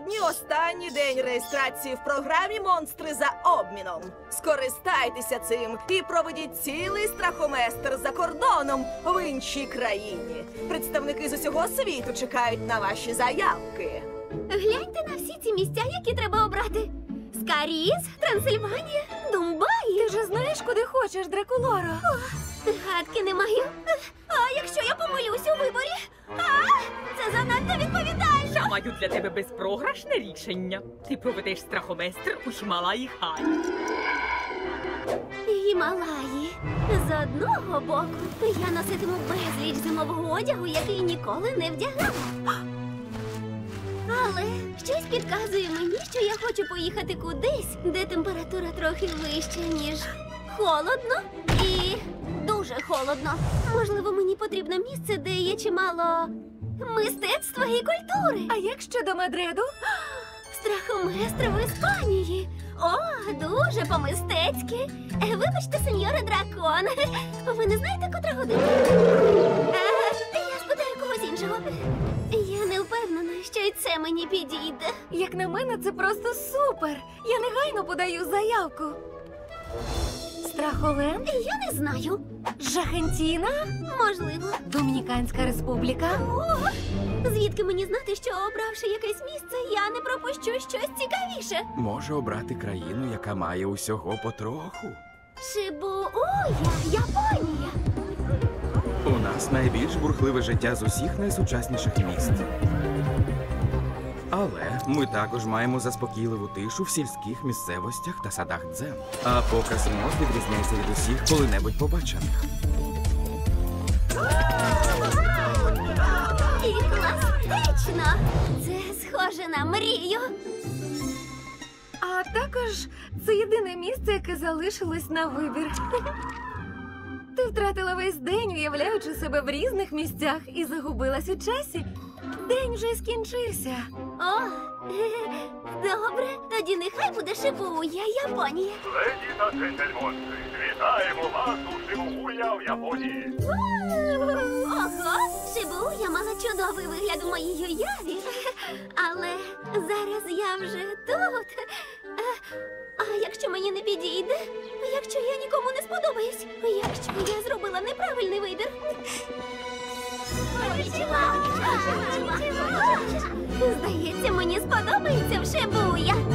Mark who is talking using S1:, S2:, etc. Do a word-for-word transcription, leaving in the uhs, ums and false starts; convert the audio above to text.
S1: Сьогодні останній день реєстрації в програмі «Монстри за обміном». Скористайтеся цим і проведіть цілий страхоместр за кордоном в іншій країні. Представники з усього світу чекають на ваші заявки.
S2: Гляньте на всі ці місця, які треба обрати. Скаріз, Трансильванія, Думбаї.
S3: Ти ж знаєш, куди хочеш, Дракулоро?
S2: О, гадки не маю. А якщо я помилюсь у виборі? А, це занадто відповідально.
S4: Я маю для тебе безпрограшне рішення. Ти проведеш страхоместр у Хімалаї Хай.
S2: Гімалаї. З одного боку, я носитиму безліч зимового одягу, який ніколи не вдягала. Але щось підказує мені, що я хочу поїхати кудись, де температура трохи вища, ніж холодно і дуже холодно. Можливо, мені потрібно місце, де є чимало мистецтва і культури.
S3: А як щодо Мадриду?
S2: Страхоместр в Іспанії. О, дуже по-мистецьки. Е, Вибачте, сеньоре дракон. Ви не знаєте, котра година? Е, Я спитаю когось іншого. Я не впевнена, що й це мені підійде.
S3: Як на мене, це просто супер. Я негайно подаю заявку. Страхоленд?
S2: Я не знаю.
S3: Жахентіна?
S2: Можливо.
S3: Домініканська республіка?
S2: О, звідки мені знати, що обравши якесь місце, я не пропущу щось цікавіше?
S5: Може обрати країну, яка має усього потроху.
S2: Шибуя, Японія.
S5: У нас найбільш бурхливе життя з усіх найсучасніших міст. Але ми також маємо заспокійливу тишу в сільських місцевостях та садах дзен. А показ мод відрізняється від усіх коли-небудь побачених.
S2: І класично. Це схоже на мрію.
S3: А також це єдине місце, яке залишилось на вибір. Ти втратила весь день, уявляючи себе в різних місцях, і загубилась у часі. День вже скінчився.
S2: О, добре, тоді нехай буде Шибуя, Японія.
S6: Леді та джентльмонки, вітаємо вас у Шибуя в Японії.
S2: Ого, Шибуя мала чудовий вигляд у моїй уяві. Але зараз я вже тут. А, а якщо мені не підійде? Якщо я нікому не сподобаюсь? Якщо я зробила неправильний вибір? Здається, мені сподобається в Шибуя.